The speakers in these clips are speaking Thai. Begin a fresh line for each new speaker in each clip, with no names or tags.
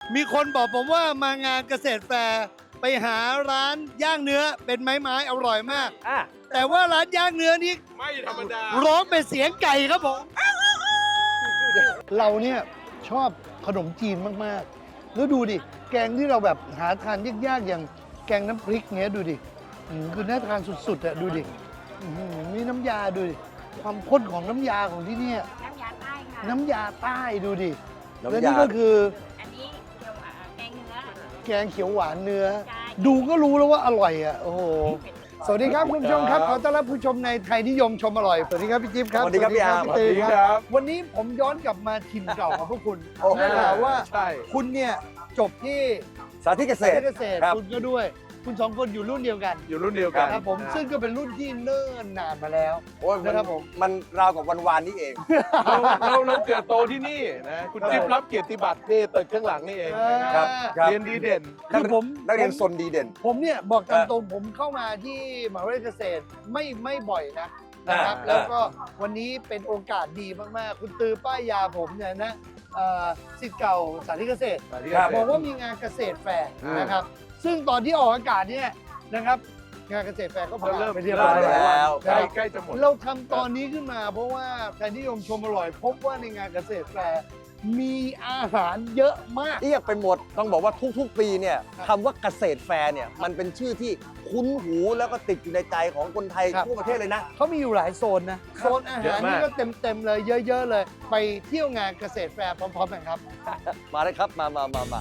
มีคนบอกผมว่ามางานเกษตรแฟร์ไปหาร้านย่างเนื้อเป็นไม้ๆอร่อยมาก แต่ว่าร้านย่างเนื้อนี้
ไม่ธรรมดา
ร้องเป็นเสียงไก่ครับผม เราเนี่ยชอบขนมจีนมากๆ แล้วดูดิ แกงที่เราแบบหาทานยากๆอย่างแกงน้ำพริกเงี้ยดูดิคือน่าทานสุดๆอะดูดิมีน้ำยาดูดิ ความข้นของน้ำยาของที่เนี่ย
น้ำยาใต้ค่ะ
น้ำยาใต้ดูดิ
น้ำยา
และนี่ก็คือ
อันนี้เกี่ยวกับแกงเนื้อ
แกงเขียวหวานเนื้อ
ใช่
ดูก็รู้แล้วว่าอร่อยอ่ะ โอ้โห สวัสดีครับคุณผู้ชมครับ ขอต้อนรับผู้ชมในไทยนิยมชมอร่อย สวัสดีครับพี่จิ๊บครับ
สวัสดีครับพี่อาร์ม
พี่
สวัสดี
ตือ
ครับ
วันนี้ผมย้อนกลับมาถิ่นเก่าของพวกคุณ
โอ้โห
ได้ข่าวว่า
ใช่
คุณเนี่ยจบที่
สาธิตเกษตร
เกษตร
ครับ
คุณก็ด้วย คุณสองคนอยู่รุ่นเดียวกัน
อยู่รุ่นเดียวกัน
ครับผมซึ่งก็เป็นรุ่นที่เนิ่นนานมาแล้ว
โอ้ย
นะครับผม
มันราวกับวันวานนี้เอง
เราเกิดโตที่นี่นะคุณจิ๊บรับเกียรติบัตรนี่ตึกข้างหลังนี่เองนะค
ครั
รับ
ครับ
เรียนดีเด่น
คือผม
นักเรียนซนดีเด่น
ผมเนี่ยบอกตามตรงผมเข้ามาที่มหาวิทยาลัยเกษตรไม่บ่อยนะครับ
อ่า
แล้วก็วันนี้เป็นโอกาสดีมากๆ คุณตือป้ายยาผมเนี่ยนะศิษย์เก่าสาธิตเกษตร
ครับ
บอกว่ามีงานเกษตรแฟร์
อืม
นะครับ ซึ่งตอนที่ออกอากาศเนี่ยนะครับ งานเกษตรแฟร์ก็ผ่าน
เริ่ม
ไปเรียบร้อย
เริ่ม
แล้ว
แล้ว
ใกล้จะหมด
เราทำตอนนี้ขึ้นมาเพราะว่าไทยนิยมชมอร่อย พบว่าในงานเกษตรแฟร์มีอาหารเยอะมาก
เรียกไปหมด ต้องบอกว่าทุกๆ ปีเนี่ย
ครับ
คำว่าเกษตรแฟร์เนี่ย มันเป็นชื่อที่คุ้นหูแล้วก็ติดอยู่ในใจของคนไทย
ครับ
ทั่วประเทศเลยนะ
เขามีอยู่หลายโซนนะ โซนอา
เย
หาร
อะมาก
นี่ก็เต็มเลยเยอะๆเลย ไปเที่ยวงานเกษตรแฟร์พร้อมๆกันครับ
มาเลยครับ มา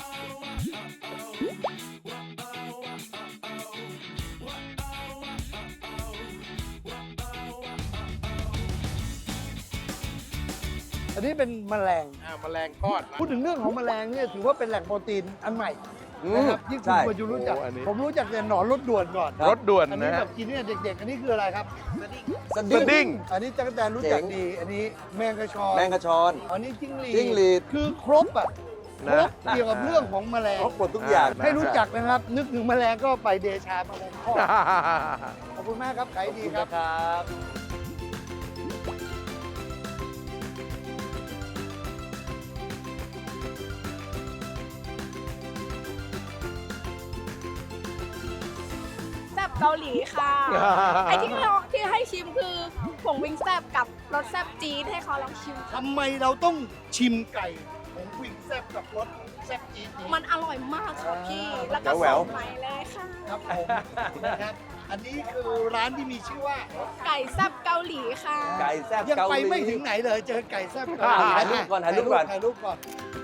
อันนี้เป็นแมลง
แมลงทอด
พูดถึงเรื่องของแมลงเนี่ยถือว่าเป็นแหล่งโปรตีนอันใหม่
อื
นะ
ม
ครับที่คุณ
ใช่
ควรจะรู้จัก
โอ้อันนี้
ผมรู้จักแต่หนอนรถด่วนก่อน
รถด่วน
อันนี้
นะ
แบบกินเนี่ยเด็กๆ อันนี้คืออะไรครับ
ส
สดิ้ง
อันนี้จักรแตนรู้จัก
เจ๋ง
ดี อันนี้แมงกระชอน
แมงกะชอน
อันนี้จิ้งหรีด
จิ้งหรีด
คือครบอ่ะครบเกี่ยวกับเรื่องของแมลง
ครบหมดทุกอย่าง
ให้รู้จักนะครับ นึกถึงแมลงก็ไปเดชาแมลงทอดขอบคุณมากครับขายดีครับ
ครับ
แซ่บเกาหลีค่ะ ไอที่ลองที่ให้ชิมคือผงวิงแซ่บกับรสแซ่บจี๊ดให้เขาลองชิม
ทำไมเราต้องชิมไก่ของวิงแซ่บกับรสแซ่บจี๊ดนี้
มันอร่อยมากค่ะพี่ แล้วก็
แหว
ส
ว
ดใหม่เลยค่ะ
ครับผมนะครับ อันนี้คือร้านที่มีชื่อว่า
ไก่แซ่บเกาหลีค่ะ
ไก่แซ่บ
ยัง
เกาห
ไป
ลี
ไม่ถึงไหนเลยเจอไก่แซ่บเกาหลี
ถ่ายรูปก่อนถ่ายรูปก่อน
ถ่ายรูปก่อน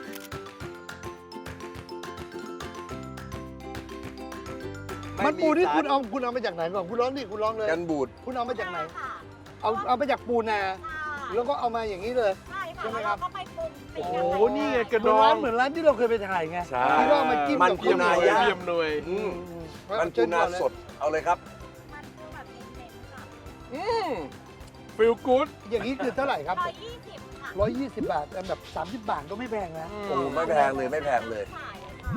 มันปูที่คุณเอามาจากไหนก่อนคุณร้องดิคุณร้องเลย
กันบูด
คุณเอามาจากไหน เอามาจากปูนา แล้วก็เอามาอย่างนี้เลย
ใช่
ใช่
ค่ะ
ไหมครับ
แล้วก็ไปปรุง
โอ้โห
นี่ไงกระ
เห
ด
มือน
อ
ร้าง นเหมือนร้านที่เราเคยไปถ่ายไง
ใช่
ที่ว่าเอามาจิ้ม
มัน
กับ
ปูนา
ข้วเห
ย่าง
ว
เยี่ยมหน่วย
อืม
อื
มันปูนาสด เอาเลยครับ
มันคือแบบเน้นๆค่ะ
ฟิลกู๊ด
อย่างนี้คือเท่าไหร่ครับ
120ค่ะ
120 บาทแต่แบบ 30 บาทก็ไม่แพงนะ
โอ้ไม่แพงเลยไม่แพงเลย
ขายค่ะ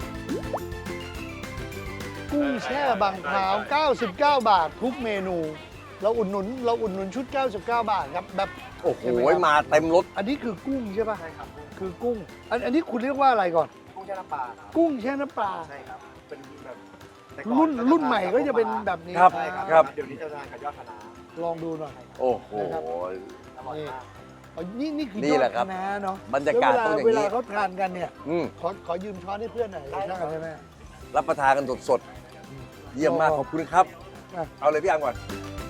กุ้งแช่บางพร้าว 99 บาททุกเมนู เราอุดหนุนชุด 99 บาทครับแบบ
โอ้โห
ใช่ไหมครับ
มาเต็มรถ
อันนี้คือกุ้งใช่ป่ะ ใช่ครับ คือกุ้ง อันนี้คุณเรียกว่าอะไรก่อน
กุ้งแช่น้ำปลาครับ
กุ้งแช่น้ำปลา
ใช่ครับ เป็นแบบแต่ก่อ
รุ่นใหม่ก็จะเป็นแบบนี้
ครับ
ใช่ครับ
ครับ
เดี๋ยวนี้จะทานกับยอดคะน้า
ลองดูหน่อย
โอ้โห
อร่อยมาก
อ๋อนี่คือ
นี่แหละครับ
ยอดคะน้าเนาะ
บรรยากาศ
แล้ว
ต้องอย่างนี้
เวลาเขาทานกันเนี่ย
อืม
ขอยืมช้อนให้เพื่อนหน่อยได้ไหม
รับประทานกันสดๆ เยี่ยมมาก
โอ้
ขอบคุณครับ
อ่ะ
เอาเลยพี่อังก่อน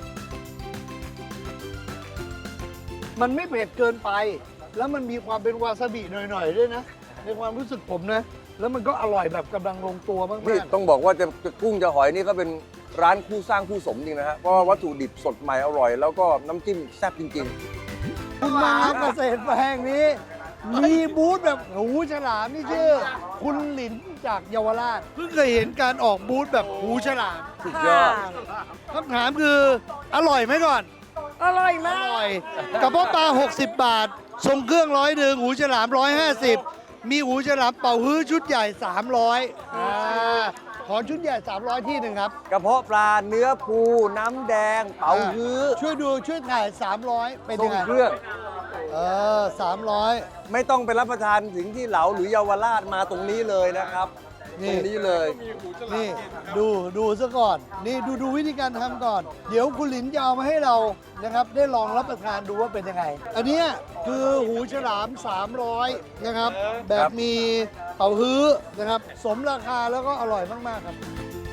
มันไม่เผ็ดเกินไป แล้วมันมีความเป็นวาซาบิหน่อยๆด้วยนะ ในความรู้สึกผมนะ แล้วมันก็อร่อยแบบกำลังลงตัวมาก
นี่ต้องบอกว่าจะกุ้งจะหอยนี่ก็เป็นร้านคู่สร้างคู่สมจริงนะฮะ เพราะว่าวัตถุดิบสดใหม่อร่อย แล้วก็น้ำจิ้มแซ่บจริง
ๆคุณมาเกษตรแปลงนี้ มีบูธแบบหูฉลามนี่ชื่อ คุณหลินจากเยาวราชเพิ่งเคยเห็นการออกบูธแบบหูฉลาม
ๆ สุดยอด
คำถามคืออร่อยไหมก่อน
อร่อย
อ
มาก
ร่อยกระเพาะปลา 60 บาท ทรงเครื่อง100 หูฉลาม 150 มีหูฉลามเป่าฮื้อชุดใหญ่ 300ขอชุดใหญ่ 300 ที่หนึ่งครับ
กระเพาะปลาเนื้อปูน้ำแดง เป๋าฮื้อ
ช่วยถ่าย 300 เป็น
ทร
ยัง
ง
ไง
เครื่อง
300
ไม่ต้องไปรับประทานถึงที่เหลาหรือเยาวราชมาตรงนี้เลยนะครับ ตรงนี้เลย
นี่ดูซะก่อน นี่ดูวิธีการทำก่อน เดี๋ยวคุณหลินจะเอามาให้เรานะครับ ได้ลองรับประทานดูว่าเป็นยังไง อันเนี้ยคือหูฉลาม 300 นะครับ แบบมีเป่าฮื้อนะครับ สมราคาแล้วก็อร่อยมาก ๆ ครับ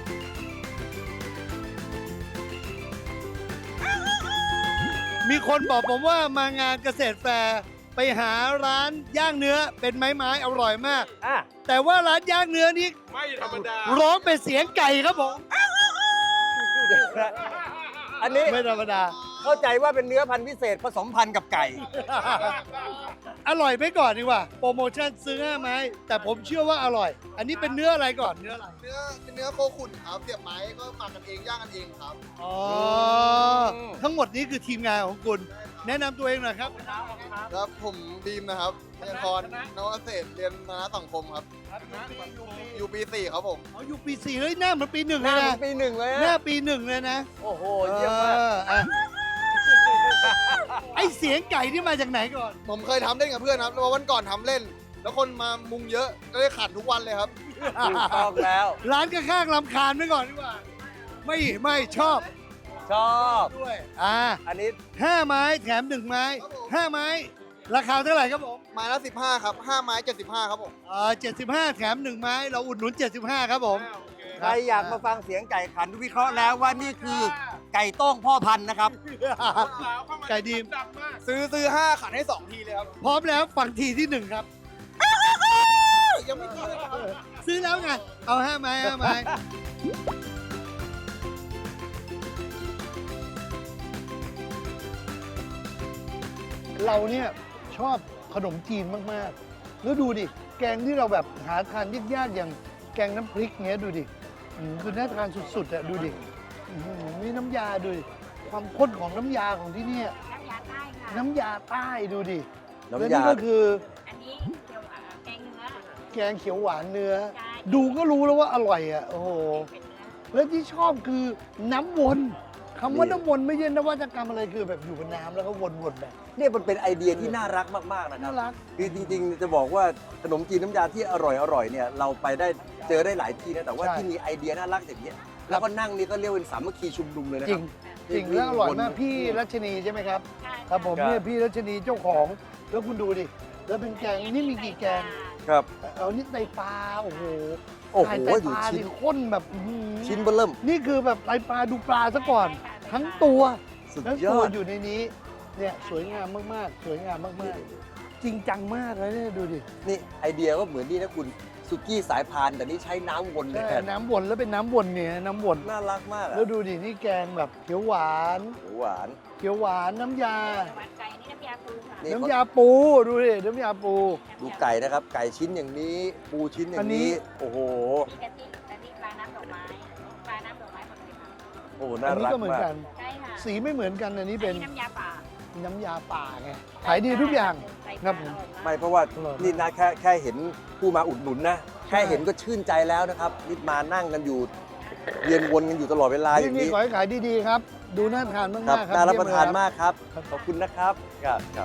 มีคนบอกผมว่ามางานเกษตรแฟร์ไปหาร้านย่างเนื้อเป็นไม้ๆอร่อยมาก แต่ว่าร้านย่างเนื้อนี้
ไม่ธรรมดา
ร้องเป็นเสียงไก่ครับผม
อันนี้
ไม่ธรรมดา
เข้าใจว่าเป็นเนื้อพันธุ์พิเศษผสมพันธุ์กับไก่
อร่อยไปก่อนดีกว่า โปรโมชั่นซื้อ5 ไม้ แต่ผมเชื่อว่าอร่อย อันนี้เป็นเนื้ออะไรก่อนเนื้ออะไร
เป็นเนื้อโคขุนครับเสียบไม้ก็หมักกันเองย่างกันเองครับ
อ๋อ ทั้งหมดนี้คือทีมงานของคุณ แนะนำตัวเองหน่อยครับ
ครับผมบีมนะครับพยากรณ์นวเกษตรเรียนคณะสังคมครับ อยู่ปี 4 ครับผม
อ๋ออยู่ปี 4 เฮ้ยหน้าเหมือนปี 1
ห
เล
น้าย เหมือ
นะ
นปีหนึ่งเลย
หน้า
อะ
ปี 1 เลยนะ
โอ้โห เยี่ยมมาก
อ่ะไอเสียงไก่ที่มาจากไหนก่อน
ผมเคยทำเล่นกับเพื่อนครับแล้ววันก่อนทำเล่น แล้วคนมามุงเยอะก็เลยขันทุกวันเลยครับ
ถูกต้องแล้ว
ร้านข้างๆลำคาญไว้ก่อนดีกว่า ไม่ชอบ
ชอบ
ด้วย
อันนี้
5 ไม้แถม 1 ไม้ 5 ไม้ ราคาเท่าไหร่ครับผม
ไม้ละ15ครับ5ไม้75ครับผม
75 แถม 1 ไม้ เราอุดหนุน 75 ครับผม
ใครอยากมาฟังเสียงไก่ขันวิเคราะห์แล้วว่านี่คือไก่โต้งพ่อพันธุ์นะครับ
ไก่ดีม
ซื้อ5ขันให้ 2 ทีเลยครับ
พร้อมแล้วฟังทีที่ 1 ครับ
ยังไม่กินเลยครับ
ซื้อแล้วไง เอา 5 ไม้ 5 ไม้ เราเนี่ยชอบขนมจีนมาก ๆ แล้วดูดิ แกงที่เราแบบหาทานยาก ๆ อย่างแกงน้ำพริกเงี้ยดูดิคือน่าทานสุด ๆอะดูดินี่น้ำยาดูดิ ความข้นของน้ำยาของที่เนี่ย
น้ำยาใต้ค่ะ
น้ำยาใต้ดูดิ
น้ำยา
และนี่ก็คือ
อันนี้เกี่ยวกับแกงเนื้อ
แกงเขียวหวานเนื้อ
ใช่
ดูก็รู้แล้วว่าอร่อยอ่ะ โอ้โห
เป็นเนื้อ
แล้วที่ชอบคือน้ำวนคำว่า
นี่
น้ำวนไม่ใช่นวัตกรรมอะไรคือแบบอยู่บนน้ำแล้วก็วนๆแบบ
เนี่ยมันเป็นไอเดียที่น่ารักมากๆนะครั
น่า
บ
รัก
คือจริงๆ จะบอกว่าขนมจีนน้ำยาที่อร่อยเนี่ยเราไปได้เจอได้หลายที่นะแต่ว่า
ใช่
ที่มีไอเดียน่ารักอย่างเงี้ยแล้วก็นั่งนี่ก็เรียกเป็นสามัคคีชุมนุมเลยนะ
จ
ค
ริ
รั
ง
บ
จริงแล้วอร่อยมากพี่รัชนีใช่ไหมครับ
ใช่
ครับผม
ครับ
เนี่ยพี่รัชนีเจ้าของ แล้วคุณดูดิ แล้วเป็นแกงนี่มีกี่แกง
ครับ
เอานี่ไตปลาโอ้โห
โอ้โห
ไต
ดู
ปลา
ชิ้น
ดิข้นแบบอื้อหือ
ชิ้นเบอร์เริ่ม
นี่คือแบบไตปลาดูปลาซะก่อน ทั้งตัว
สุด
แล้ว
ย
ตั
อ
ว
ด
อยู่ในนี้ เนี่ยสวยงามมากๆ สวยงามมากๆ จริงจังมากเลยเนี่ยดูดิ
นี่ไอเดียก็เหมือนนี่นะคุณสุกี้สายพานแต่นี่ใช้น้ำวนเลย
ใช่น้ำวนแล้วเป็นน้ำวนเนี่ยน้ำวน
น่ารักมากอะ
แล้วดูดินี่แกงแบบเขียวหวาน
หวาน
เขียวหวานน้ำยา
หวานไก่นี่น้ำยาปูค่ะ
นี่
น้ำยาปูดูดิน้ำยาปู
ดูไก่นะครับ ไก่ชิ้นอย่างนี้ ปูชิ้นอย่างนี้ โอ้โห
มีกะทิปลาน้ำดอกไม้ปลาน้ำดอกไม้หมดเลยค่ะ
โอ้โห
อั
น่าน
นี้
รัก
ก็เหมือน
มาก
กัน
ใช่ค่ะ
สีไม่เหมือนกันอันนี้เป็น
อัน้ำยาป่า
น้ำยาป่าไงขายดีทุกอย่าง
ใส่
ครับผม
ไม่เพราะว่า
อร่อยมาก
นี่นะแค่เห็นผู้มาอุดหนุนนะ แค่เห็นก็ชื่นใจแล้วนะครับนี่มานั่งกันอยู่เวียนวนกันอยู่ตลอดเวลาอย่าง
นี่
นี้
ขอให้ขายดีๆครับ ดูน่าทานมาก
ครับ
ๆครับ
น่ารับประทาน
เยี่ยเลยค
มากครับ
ครับ
ขอบคุณนะครับครับครับ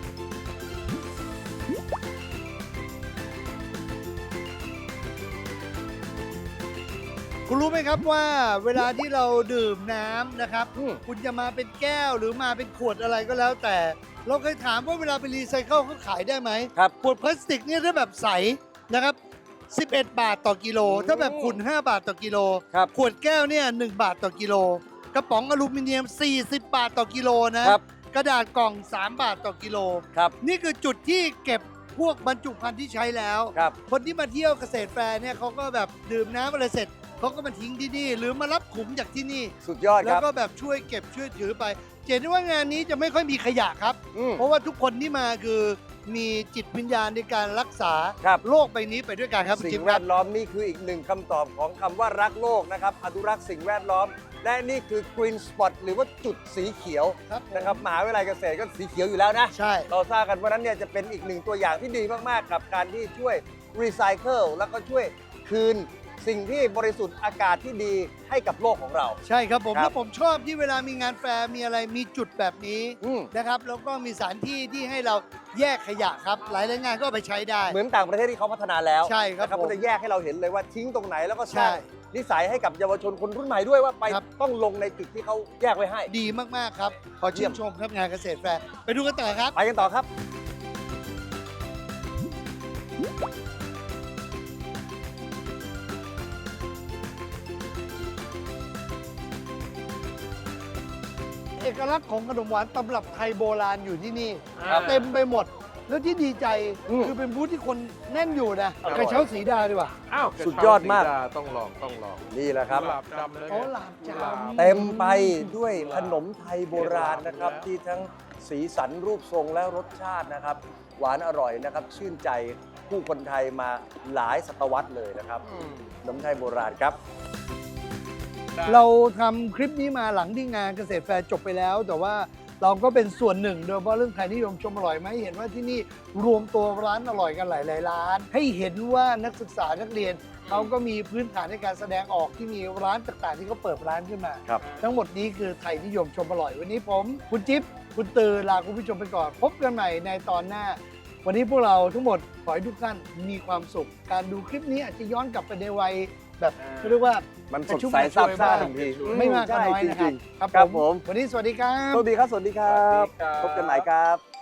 คุณรู้ไหมครับว่าเวลาที่เราดื่มน้ำนะครับ
อืม
คุณจะมาเป็นแก้วหรือมาเป็นขวดอะไรก็แล้วแต่ เราเคยถามว่าเวลาไปรีไซเคิลเขาขายได้ไหม
ครับ
ขวดพลาสติกเนี่ยถ้าแบบใสนะครับ 11 บาทต่อกิโล ถ้าแบบขุ่น5 บาทต่อกิโล
ครับ
ขวดแก้วเนี่ย1บาทต่อกิโล กระป๋องอลูมิเนียม 40 บาทต่อกิโลนะ
ครับ
กระดาษกล่อง 3 บาทต่อกิโล
ครับ
นี่คือจุดที่เก็บพวกบรรจุภัณฑ์ที่ใช้แล้ว
ครับ
คนที่มาเที่ยวเกษตรแฟร์เนี่ยเขาก็แบบดื่มน้ำอะไรเสร็จเขาก็มาทิ้งที่นี่ หรือมารับขุมจากที่นี่
สุดยอดค
แล้ว
รับ
ก็แบบช่วยเก็บช่วยถือไปเห็นได้ว่างานนี้จะไม่ค่อยมีขยะครับ
อืม
เพราะว่าทุกคนที่มาคือมีจิตวิญญาณในการรักษา
ครับ
โลกใบนี้ไปด้วยกันครับคุณ
สิ่
จิ๊
ง
บ
แว
ครับ
ดล้อมนี่คืออีกหนึ่งคำตอบของคำว่ารักโลกนะครับอนุรักษ์สิ่งแวดล้อม และนี่คือ Green Spot หรือว่าจุดสีเขียว
ครับผม
นะครับมหาวิทยาลัยเกษตรก็สีเขียวอยู่แล้วนะ
ใช่
เราทราบกันว่านั้นเนี่ยจะเป็นอีกหนึ่งตัวอย่างที่ดีมาก ๆ กับการที่ช่วยรีไซเคิลแล้วก็ช่วยคืนสิ่งที่บริสุทธิ์อากาศที่ดีให้กับโลกของเรา
ใช่ครับผม
ครับ
แล้วผมชอบที่เวลามีงานแฟร์มีอะไรมีจุดแบบนี้
อืม
นะครับแล้วก็มีสถานที่ที่ให้เราแยกขยะครับ หลายๆงานก็เอาไปใช้ได้
เหมือนต่างประเทศที่เขาพัฒนาแล้ว
ใช่ครับ
นะ
ผม
ก็จะแยกให้เราเห็นเลยว่าทิ้งตรงไหนแล้วก็สร้าง
ใช่
นิสัยให้กับเยาวชนคนรุ่นใหม่ด้วยว่าไป
ครับ
ต้องลงในจุดที่เขาแยกไว้ให้
ดีมาก ๆ ครับ ขอ
เยี่
ชื่
ยม
นชมครับงานเกษตรแฟร์ไปดูกันต่อครับ
ไปกันต่อครับ
เอกลักษณ์ของขนมหวานตำรับไทยโบราณอยู่ที่นี่
ครับ
เต็มไปหมด แล้วที่ดีใจ
อืม
คือเป็นบูธที่คนแน่นอยู่นะ
อร่อย
กระเช้าสีดาดีกว่า
อ้าว
สุดยอดมาก
กระเช้สีต้องลองต้องลอง
นี่แหละครับ
กุหลาบจำเลย
อ๋อหลาบจำ
เต็มไปด้วยขนมไทยโบราณนะครับ ที่ทั้งสีสันรูปทรงและรสชาตินะครับ หวานอร่อยนะครับ ชื่นใจผู้คนไทยมาหลายศตวรรษเลยนะครับขนมไทยโบราณครับ
เราทำคลิปนี้มาหลังที่งานเกษตรแฟร์จบไปแล้ว แต่ว่าเราก็เป็นส่วนหนึ่งโดยเฉพาะเรื่องไทยนิยมชมอร่อยไหมเห็นว่าที่นี่รวมตัวร้านอร่อยกันหลายๆร้าน ให้เห็นว่านักศึกษานักเรียนเขาก็มีพื้นฐานในการแสดงออกที่มีร้านต่างๆ ที่เขาเปิดร้านขึ้นมา
ครับ
ทั้งหมดนี้คือไทยนิยมชมอร่อยวันนี้ผมคุณจิ๊บคุณตือลาคุณผู้ชมไปก่อน พบกันใหม่ในตอนหน้า วันนี้พวกเราทั้งหมดขอให้ทุกท่านมีความสุข การดูคลิปนี้อาจจะย้อนกลับไปในวัยแบบเรียกว่า
มันส
กระ
ด
ชุ่ม
ใส
กระช
ซาบ
วย
ซ่า
บ้าง
ทันที
ไม่มากก็น้อย
ใช่
นะครับ
จงๆครับผม
วันนี้สวัสดีครับ
สวัสดีครับ สวัสดีครับ
สวัสดีครับ
พบกันใหม่ครับ